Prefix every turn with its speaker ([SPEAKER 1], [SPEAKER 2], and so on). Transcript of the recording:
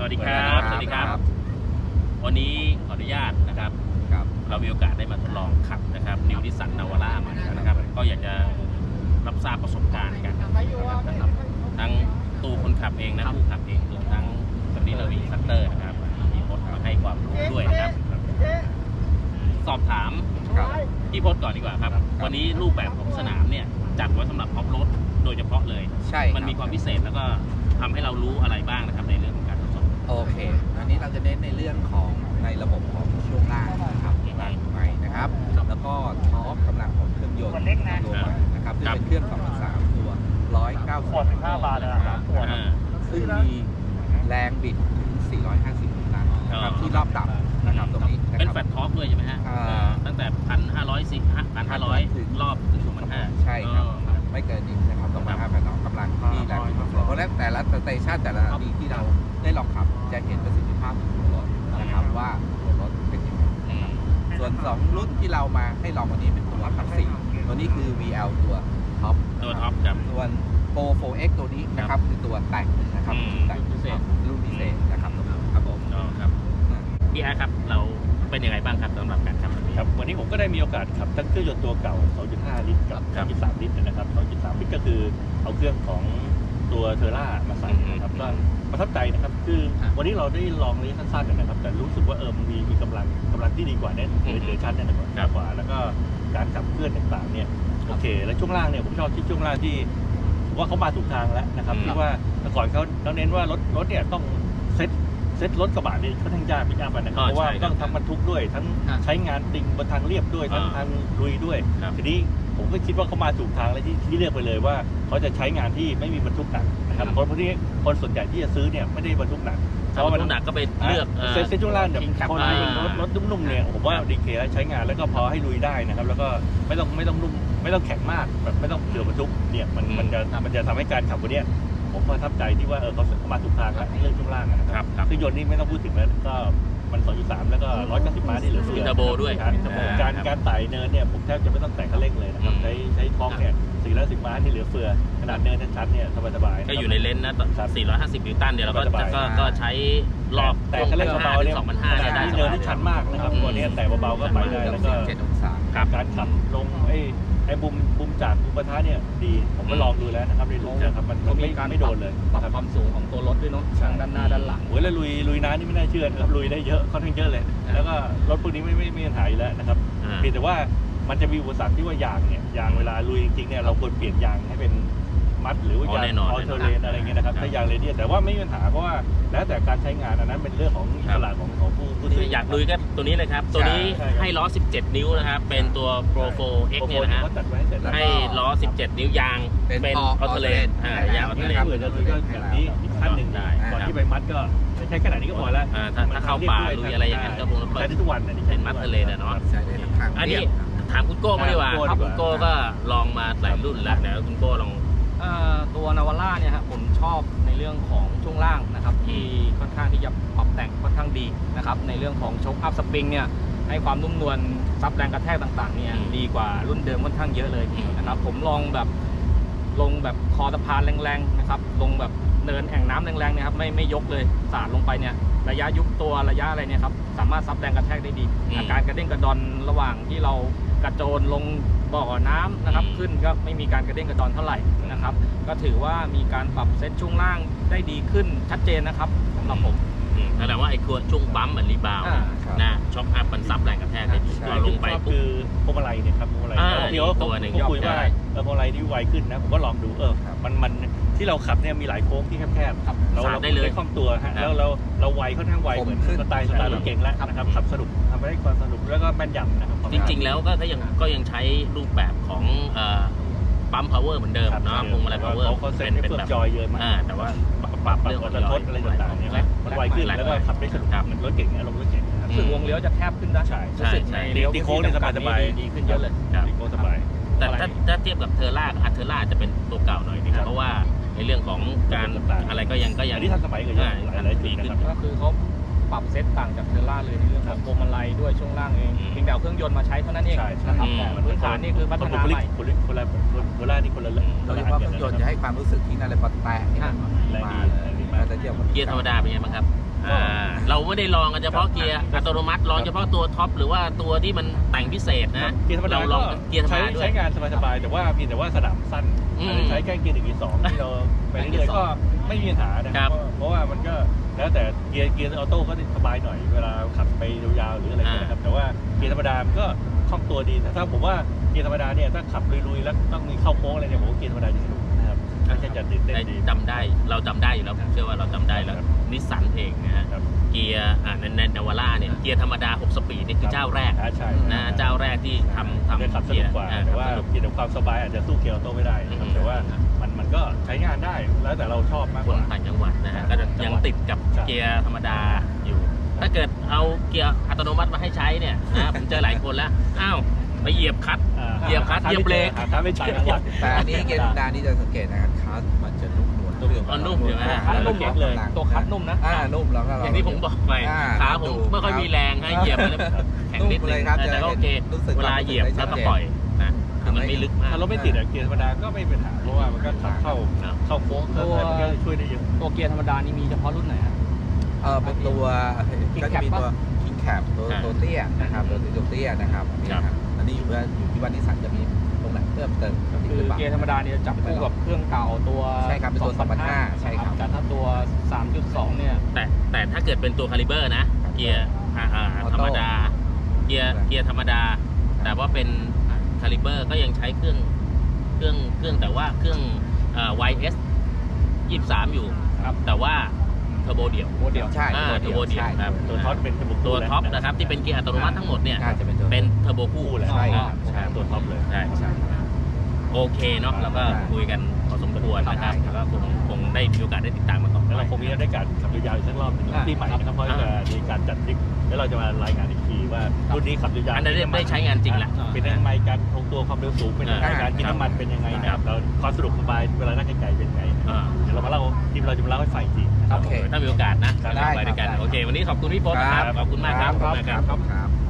[SPEAKER 1] วัสดีครับสวัสดีครับวันนี้ขออนุญาตนะครับเรามีโอกาสได้มาทดลองขับนะครับนิวนิสสันนาวาร่ามานะครับก็อยากจะรับทราบประสบการณ์กันนะครับทั้งตัวคนขับเองนะผู้ขับเองรวมทั้งสำนีเรามีซัตเตอร์นะครับพี่พจน์มาให้ความรู้ด้วยนะครับสอบถามพี่พจน์ก่อนดีกว่าครับวันนี้รูปแบบของสนามเนี่ยจัดไว้สำหรับออฟโรดโดยเฉพาะเลย
[SPEAKER 2] ใช่
[SPEAKER 1] มันมีความพิเศษแล้วก็ทำให้เรารู้อะไรบ้างนะครับในเรื่องของการทดสอบ
[SPEAKER 2] โอเคอันนี้เราจะเน้นในเรื่องของในระบบของช่วงล่างนะครับใหม่นะครับแล้วก็ท็อปกำลังของเครื่องยนต์ตัวใหม่นะครับซึ่งเป็นเครื่อง 2.3 ตัว195 บาทนะครับซึ่งมีแรงบิดถึง450 นิวตันนะครับที่รอบต่ำนะครับตรงนี้
[SPEAKER 1] เป็นแฟลตท็อปด้วยใช่ไหมฮะตั้งแต่ 1,500 ถึงรอบถึง 2,500
[SPEAKER 2] ใช่ครับไม่เกินนี้นะครับต้องมา5,000กำลังที่แรงบิดเพราะแต่ละสเตชันแต่ละดีที่เราได้ลองขับจะเห็นประสิทธิภาพของรถนะครับว่าตัวรถเป็นยังไงส่วน2รุ่นที่เรามาให้ลองวันนี้เป็นตัวขับ4ตัวนี้คือ VL ตัวท็อป
[SPEAKER 1] ครับ
[SPEAKER 2] ส่วน Pro 4X ตัวนี้นะครับคือตัวแต่งนะครับแต่งรุ่นพิเศษนะครับครับผม
[SPEAKER 1] ครับพี่อาร์ครับเราเป็นยังไงบ้างครับสำหรับการขับ
[SPEAKER 3] ครับวันนี้ผมก็ได้มีโอกาสขับทั้งเครื่องยนต์ตัวเก่า 2.5 ลิตรกับ 2.3 ลิตรนะครับ 2.3 ลิตรก็คือเอาเครื่องของตัวเทอร่ามาใส่นะครับก็ประทับใจนะครับคือวันนี้เราได้ลองระยะสั้นๆนะครับแต่รู้สึกว่ามันมีกำลังที่ดีกว่าเนี่ยเหลือชั้นเนี่ยกว่าแล้วก็การขับเคลื่อนต่างๆเนี่ยโอเคแล้วช่วงล่างเนี่ยผมชอบที่ช่วงล่างที่ว่าเขามาถูกทางแล้วนะครับที่ว่าแต่ก่อนเขาเน้นว่ารถเนี่ยต้องเซ็ตรถกระบะนี่ค่อนข้างยากไม่ยากไปนะครับเพราะว่าต้องทั้งบรรทุกด้วยทั้งใช้งานติงบนทางเรียบด้วยทั้งทางลุยด้วยทีนี้ผมก็คิดว่าเขามาถูกทางแล้วที่เลือกไปเลยว่าเขาจะใช้งานที่ไม่มีบรรทุกหนักนะครับเพราะพวกนี้คนส่วนใหญ่ที่จะซื้อเนี่ยไม่ได้บรรทุกหนัก
[SPEAKER 1] เพราะบรรทุกหนักก็ไปเลือก
[SPEAKER 3] เซ็ตช่วงล่างเนี่ยคนรถนุ่มๆเนี่ยผมว่าดีเคแล้วใช้งานแล้วก็พอให้ลุยได้นะครับแล้วก็ไม่ต้องนุ่มไม่ต้องแข็งมากแบบไม่ต้องเดือบรรทุกเนี่ยมันจะทำให้การขับวันนี้ผมประทับใจที่ว่าเขามาถูกทางแล้วเรื่องช่วงล่างนะครับเครื่องยนต์นี่ไม่ต้องพูดถึงแล้วก็มัน 2.3 แล้วก็190 ม้าที่เหลือเฟือ
[SPEAKER 1] เทอร์โบด้วย
[SPEAKER 3] การไต่เนินเนี่ยผมแทบจะไม่ต้องแตะคันเร่งเลยนะครับใช้ท็อร์กเนี่ย410 ม้าที่เหลือเฟือขนาดเนินชันเนี่ยสบาย
[SPEAKER 1] ก็อยู่ในเลนส์นะ450 นิวตันเดี๋ยวเราก็ใช้รอบ
[SPEAKER 3] แต่คันเร่งเบาๆเนี่ย
[SPEAKER 1] 2,500ได้
[SPEAKER 3] เนินที่ชันมากนะครับตัวนี้แต่เบาๆก็ไปได้แล้วก็การขับลงไอ้บุมจากบุมปะทะเนี่ยดีผมก็ลองดูแล้วนะครับในรูปนะครับมันไม่โดนเลย
[SPEAKER 4] ปรับความสูงของตัวรถด้วยเนาะด้านหน้าด้านหลัง
[SPEAKER 3] โอ้ยแล้วลุยน้ำนี่ไม่น่าเชื่อนะครับลุยได้เยอะค่อนข้างเยอะเลยแล้วก็รถพวกนี้ไม่มีปัญหาอยู่แล้วนะครับเพียงแต่ว่ามันจะมีอุปสรรคที่ว่ายางเวลาลุยจริงๆเนี่ยเราควรเปลี่ยนยางให้เป็นมัดหรือว่ายางออเทอร์เลนอะไรเงี้ยนะครับถ้ายางเรเดียสแต่ว่าไม่มีปัญหาเพราะว่าแล้วแต่การใช้งานอันนั้นเป็นเรื่องของอิสระของผู้ซื้อ
[SPEAKER 1] อยากลุยก็ตัวนี้เลยครับตัวนี้ให้ล้อ17 นิ้วนะครับเป็นตัว Pro 4X เนี่ยนะฮะให้ล้อ17 นิ้วยางเป็นออเทอร์เลนยางออเทอร์เลน
[SPEAKER 3] เผื่อจะลุยก็แบบนี้อีกขั้นหนึ่งได้ก่อนที่ไปมัดก็ใช้ขนาดนี้ก็พอแล้ว
[SPEAKER 1] ถ้าเข้าป่าลุยอะไรอย่างนั้นก็คง
[SPEAKER 3] ใช้ได้ทุกวัน
[SPEAKER 1] เป็นมัดเทอร์เลนเนาะอันนี้ถามคุณโก้มาดีกว่าคุณโก้ก็ลองมาหลายรุ่นแล้วนะคุณโก้ลอง
[SPEAKER 4] ตัวนาวาร่าเนี่ยครับผมชอบในเรื่องของช่วงล่างนะครับที่ค่อนข้างที่จะปรับแต่งค่อนข้างดีนะครับในเรื่องของโชคอัพสปริงเนี่ยให้ความนุ่มนวลซับแรงกระแทกต่างๆเนี่ยดีกว่ารุ่นเดิมค่อนข้างเยอะเลยนะครับผมลองแบบลงแบบคอสะพานแรงๆนะครับลงแบบเนินแอ่งน้ำแรงๆเนี่ยครับไม่ยกเลยสาดลงไปเนี่ยระยะยุบตัวระยะอะไรเนี่ยครับสามารถซับแรงกระแทกได้ดีอาการกระเด้งกระดอนระหว่างที่เรากระโจนลงบ่อน้ำนะครับขึ้นก็ไม่มีการกระเด้งกระดอนเท่าไหร่นะครับก็ถือว่ามีการปรับเซตช่วงล่างได้ดีขึ้นชัดเจนนะครับสำหรับผม
[SPEAKER 1] แสดงว่าไอ้ช่วงบัมป์เหมือนรีบาวนะช็อคอัพมันซับแรงกระแทกได้ดีเราลงไป
[SPEAKER 3] คือพวงมาลัยเนี่ยครับพวงมาลัยเดี๋ยวเขาคุยว่าพวงมาลัยที่ไวขึ้นนะผมก็ลองดูมันที่เราขับเนี่ยมีหลายโค้งที่แคบๆเราได้คล่องตัวฮะแล้วเราไวค่อนข้างไวเหมือนสไตล์รถเก่งแล้วนะครับขับสนุกทำได้ความสนุกแล้วก็แม่นยำนะครับ
[SPEAKER 1] จริงๆแล้วก็ยังใช้รูปแบบของปั๊มพาวเวอร์เหมือนเดิมเนาะพวงมาลัยพาวเวอร์
[SPEAKER 3] เป็นแบบจอยเยอะมาก
[SPEAKER 1] แต่ว่าปรับเรื่องของ
[SPEAKER 3] รถอะไรต่างๆเนี่ยมันไวขึ้นแล้วก็ขับได้สนุกเหมือนรถเก่งเนี่ยรถเก่ง
[SPEAKER 4] รู้สึกวงเลี้ยวจะแคบขึ้นนะ
[SPEAKER 1] ใช่
[SPEAKER 3] ตีโค้งเนี่ยสบาย
[SPEAKER 4] ดีขึ้นเยอะเลย
[SPEAKER 3] ตีโค้งสบาย
[SPEAKER 1] แต่ถ้าเทียบกับเทอร่าจะเป็นตัวเก่าหน่อยนึงเพราะว่าในเรื่องของการอะไรก็ยัง
[SPEAKER 3] ที่ทันสมัยก็ยังหลายปีนะครับ
[SPEAKER 4] ก็คือเขาปรับเซตต่างจากเทอร่าเลยในเรื่องของพวงมาลัยด้วยช่วงล่างเองเพียงแต่เครื่องยนต์มาใช้เท่านั้นเองนะครับแต่พื้นฐานนี่คือพัฒนาใหม่
[SPEAKER 3] คนละเทอร่านี่คนละ
[SPEAKER 2] โดยเฉพาะเครื่องยนต์จะให้ความรู้สึกที่นั่นเลยพอแตะนี่
[SPEAKER 3] แรงดี
[SPEAKER 1] เกียร์ธรรมดาเป็นไงบ้างครับเราไม่ได้ลองกันเฉพาะเกียร์อัตโนมัติลองเฉพาะตัวท็อปหรือว่าตัวที่มันแต่งพิเศษนะ
[SPEAKER 3] เกียร์ธรรมดา
[SPEAKER 1] เราลองเกียร์ธรรมดาด้วย
[SPEAKER 3] ใช้งานสบายๆแต่ว่าเพียงแต่ว่าสนามสั้นใช้แค่เกียร์1 เกียร์ 2ที่เราไปเรื่อยๆก็ไม่มีปัญหานะครับเพราะว่ามันก็แล้วแต่เกียร์ออโต้ก็สบายหน่อยเวลาขับไปยาวๆหรืออะไรอย่างเงี้ยนะครับแต่ว่าเกียร์ธรรมดามันก็คล่องตัวดีแต่ถ้าผมว่าเกียร์ธรรมดาเนี่ยถ้าขับลุยๆแล้วต้องมีเข้าโค้งอะไรเนี่ยผมว่าเกียร์ธรรมดาจะสนุกนะครับไม่ใช่จะตื่นเต้นดี
[SPEAKER 1] จำได้เราจำได้อยู่แล้วผมเชื่อว่าเราจำได้แล้วนิสสันเองนะฮะ
[SPEAKER 3] ครับ
[SPEAKER 1] เกียร์ในนาวาร่าเนี่ยเกียร์ธรรมดา6 สปีดนี่คือเจ้าแรก
[SPEAKER 3] ใช่
[SPEAKER 1] นะเจ้าแรกที่ทำ
[SPEAKER 3] ได้ขับส
[SPEAKER 1] เกี
[SPEAKER 3] นุ
[SPEAKER 1] ย
[SPEAKER 3] ก
[SPEAKER 1] ร์
[SPEAKER 3] กว่าแต่ว่าเกียร์ความสบายอาจจะสู้เกียร์ออโต้ไม่ได้นะครับแต่ว่ามันก็ใช้งานได้แล้วแต่เราชอบมาก
[SPEAKER 1] ค
[SPEAKER 3] ก
[SPEAKER 1] น
[SPEAKER 3] ว่า
[SPEAKER 1] ต่างจังหวัดนะฮะก็จะยังติดกับเกียร์ธรรมดาอยู่ ถ้าเกิดเอาเกียร์อัตโนมัติมาให้ใช้เนี่ยนะผมเจอหลายคนแล้วอ้าวไปเหยียบคลัตช์ เหยียบคลัตช์เหยียบเบรก
[SPEAKER 3] หาไม่เจอจังหวัด
[SPEAKER 2] แต่อันนี้เกียร์ธรรมดานี่จะสังเกตนะครับคัสมันจะนุ่มนวล
[SPEAKER 1] นุ่มอยู่ไหม
[SPEAKER 4] คัดนุ่ม
[SPEAKER 3] เก่งเลย
[SPEAKER 4] ตัวคัดนุ่มนะ
[SPEAKER 2] นุ่มแล้วก็
[SPEAKER 1] อย่างที่ผมบอกไปขาผมไม่ค่อยมีแรงให้เหยียบมันแข็งนิดนึงแต่ก็โอเคเวลาเหยียบแล้วก็ปล่อยนะคือมันไม่ลึกมาก
[SPEAKER 3] ถ้ารถไม่ติดอะเกียร์ธรรมดาก็ไม่มีปัญหาเพราะว่ามันก็ขับเข้าโค้งเข้าอะไรมันก็ช่วยได้เยอะ
[SPEAKER 4] ตัวเกียร์ธรรมดานี่มีเฉพาะรุ่นไหนฮะ
[SPEAKER 2] เป็นตัวก็จะมีตัวคิงแคปตัวเตี้ยนะครับตัวเตี้ยนะครับนี่นะครับอันนี้อยู่ที่ว่านิสสันจะมีตรงไหนเพิ่มเติม
[SPEAKER 4] คือเกียร์ธรรมดาเนี่ยจะจับคู่กับเครื่องเก่าตัว
[SPEAKER 2] ใช่ครับเป็นตัว2005ใช่ครับ
[SPEAKER 4] แต่ถ้าตัว 3.2 เนี่ย
[SPEAKER 1] แต่ถ้าเกิดเป็นตัวคาลิเบอร์นะเกียร์ธรรมดาเกียร์ธรรมดา แต่ว่าเป็นคาลิเบอร์ก็ยังใช้เครื่องแต่ว่าเครื่องYS 23อยู่
[SPEAKER 4] ครับ
[SPEAKER 1] แต่ว่าเทอร์โบเดี่ยว
[SPEAKER 4] โมเดล
[SPEAKER 2] ใช่
[SPEAKER 1] เทอร์โบเดี่ยวครับ
[SPEAKER 3] ตัวท็อปเป็น
[SPEAKER 1] ตัวท็อปนะครับที่เป็นเกียร์อัตโนมัติทั้งหมดเนี่ย
[SPEAKER 2] น่าจะเป็นตัว
[SPEAKER 1] เป็นเทอร์โบคู่
[SPEAKER 3] แหละ
[SPEAKER 2] ใช่ครับ
[SPEAKER 3] ใช่ตัวท็อปเลย
[SPEAKER 1] ใช่โอเคเนาะแล้วก็คุยกันพอสมควรนะครับแล้วก็คงได้มีโอกาสได้ติดตามมาต่อ
[SPEAKER 3] แล้วเราคงมีได้การขับยาวๆอีกสักรอบหนึงปีใหม่นะครับเพราะจะมีการจัดทริปแล้วเราจะมารายงานอีกทีว่ารุ่นนี้ขับยาวๆ
[SPEAKER 1] อันนั้นได้ใช้งานจริงแหละ
[SPEAKER 3] เป็นยังไงการคงตัวความเร็วสูงเป็นยังไงการกินน้ำมันเป็นยังไงนะครับแล้วความสะดวกสบายเวลานั่งไกลๆเป็นยังไงเดี๋ยวเรามาเล่าทีมเราจะมาเล่าให้ฟังอีกที
[SPEAKER 2] โอเค
[SPEAKER 1] ถ้ามีโอกาสนะ
[SPEAKER 2] ได้
[SPEAKER 1] ไปด้วยกัน
[SPEAKER 2] ครับ
[SPEAKER 1] โอเค วันนี้ขอบคุณพี่พจน์นะครับขอบคุณมากครับ
[SPEAKER 2] ครับ